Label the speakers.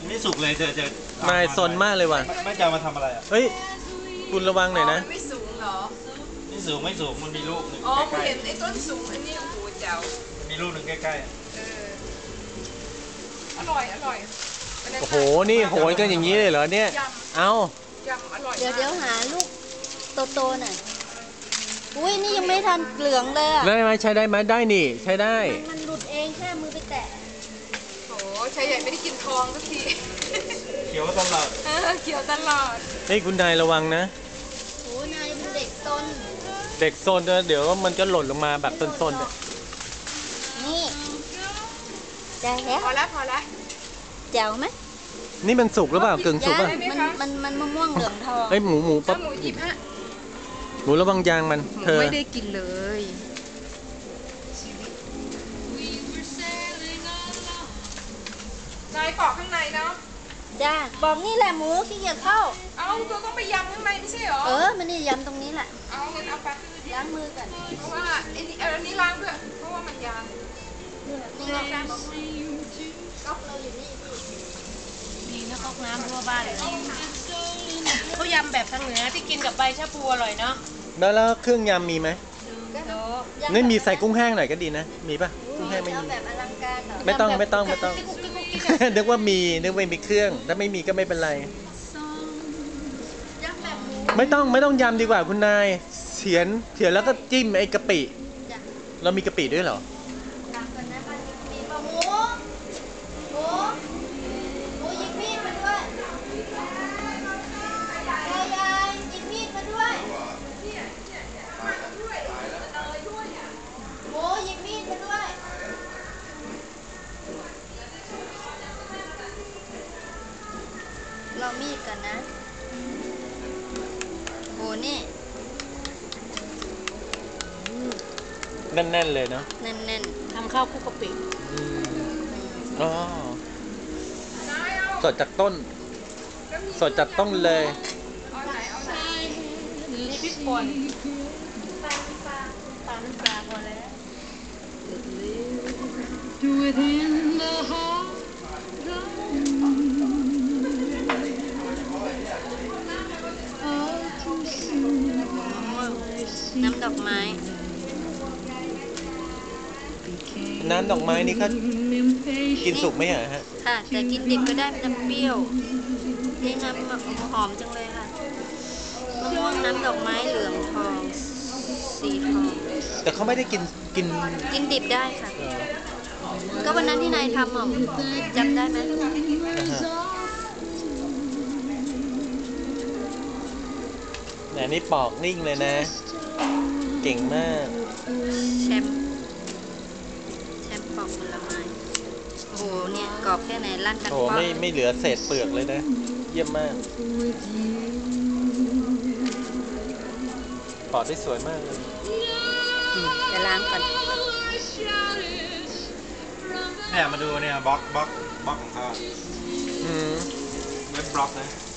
Speaker 1: ไม่สุกเลยเจอน
Speaker 2: ายซนมากเลยว่ะ
Speaker 1: ไม่จะมาทำอะไรอ่ะ
Speaker 2: เฮ้ยคุณระวังหน่อยนะ
Speaker 3: ไม่สูงเหรอ
Speaker 1: ไม่สูงมันมีลูกหนึ่ง
Speaker 3: อ๋อ
Speaker 1: ใกล้
Speaker 3: เห็นไอ้ต้นสูงอันนี้โอ้โหเจ๋ว
Speaker 1: มีลูกหนึ่งใกล้
Speaker 3: อร่อย
Speaker 2: โอ้โหนี่โหยกันอย่างนี้เลยเหรอเนี่ยเอา
Speaker 3: ยำอร่อย
Speaker 4: เดี๋ยวหาลูกโตๆหน่อยอุ้ยนี่ยังไม่ทันเหลืองเลยอ่ะ
Speaker 2: ได้ไหมใช้ได้ไหมได้นี่ใช้ได้
Speaker 4: มันหลุดเองแค่มือไปแตะ
Speaker 3: โอ้ชายใหญ่ไม่ได้กินทองสักที
Speaker 1: เขียวตลอด
Speaker 3: เขียวตลอด
Speaker 2: เฮ้ยคุณนายระวังนะ
Speaker 4: โอ้นายเป็นเด็กซน
Speaker 2: เดี๋ยวมันจะหล่นลงมาแบบซน
Speaker 4: นี่ได้แล้ว
Speaker 3: พอแล้ว
Speaker 4: แจ๋วไหม
Speaker 2: นี่มันสุกหรือเปล่ากึ่งสุกป่ะ
Speaker 4: มันมะม่วงเหลืองทอง
Speaker 2: เฮ้ยหมูปั๊บ
Speaker 3: หมูหยิบฮะ
Speaker 2: หมูระวังยางมันเธอ
Speaker 3: ไม่ได้กินเลยนายปอกข้างในเนาะ
Speaker 4: จ้าบอกนี่แหละหมูขี้เกียจเข้า
Speaker 3: เอาตัวต้องไปยำข้างในไม่ใช่หรอ
Speaker 4: มันนี่ยำตรงนี้แหละ
Speaker 3: เอาเงินเอาไป
Speaker 4: ล้างมือกัน
Speaker 3: เพราะว่าอันนี้ล้างด้วยเพราะว่ามันยำ
Speaker 4: นี่ไงก๊อกเราอยู่นี่
Speaker 5: ดีนะก๊อกน้ำทั่วบ้านเลยเขายำแบบทางเหนือที่กินกับใบชะพูอร่อยเนาะ
Speaker 2: แล้วเครื่องยำมีไหมนี่มีใส่กุ้งแห้งหน่อยก็ดีนะมีป่ะกุ้งแห้งไม่มี
Speaker 4: แบบอลังการเหรอ
Speaker 2: ไม่ต้องนึกว่ามีเครื่องถ้าไม่มีก็ไม่เป็นไรไม่ต้องยำดีกว่าคุณนายเฉียนแล้วก็จิ้มไอ้กะปิเรามีกะปิด้วยเหรอ
Speaker 4: หมูหยิบมีดมาด้วยยายหยิบมีดมาด้วยหมูหยิบมีดมาด้วยเรามีดกันนะโหนี่
Speaker 2: แน่นๆเลยเนาะ
Speaker 4: แน่น
Speaker 5: ๆทำข้าวคุกกะปิ
Speaker 2: อ๋อสดจากต้นเลย
Speaker 5: นี่พริกป่นปลาน้ำปลาพอแล้ว
Speaker 4: น้ำดอกไม้
Speaker 2: นี่เขากินสุกไหมฮะ
Speaker 4: ค่ะแต่กินดิบก็ได้มันจะเปรี้ยวนี่น้ำหอมจังเลยค่ะมะม่วงน้ำดอกไม้เหลืองทองสีทอง
Speaker 2: แต่เขาไม่ได้กิน
Speaker 4: ดิบได้ค่ะก็วันนั้นที่นายทำจำได้ไหม
Speaker 2: นี่ปอกนิ่งเลยนะเก่งมาก
Speaker 4: แชมปอกผลไม้โอ้โหเนี่ยกรอบแค่ไหนลั่นกัน
Speaker 2: โอ้ไม่เหลือเศษเปลือกเลยนะเยี่ยมมากปอกได้สวยมากเลย
Speaker 4: จะล้างก่อน
Speaker 1: เนี่ยมาดูเนี่ยบล็อกของเขาเว็บบล็อกนะ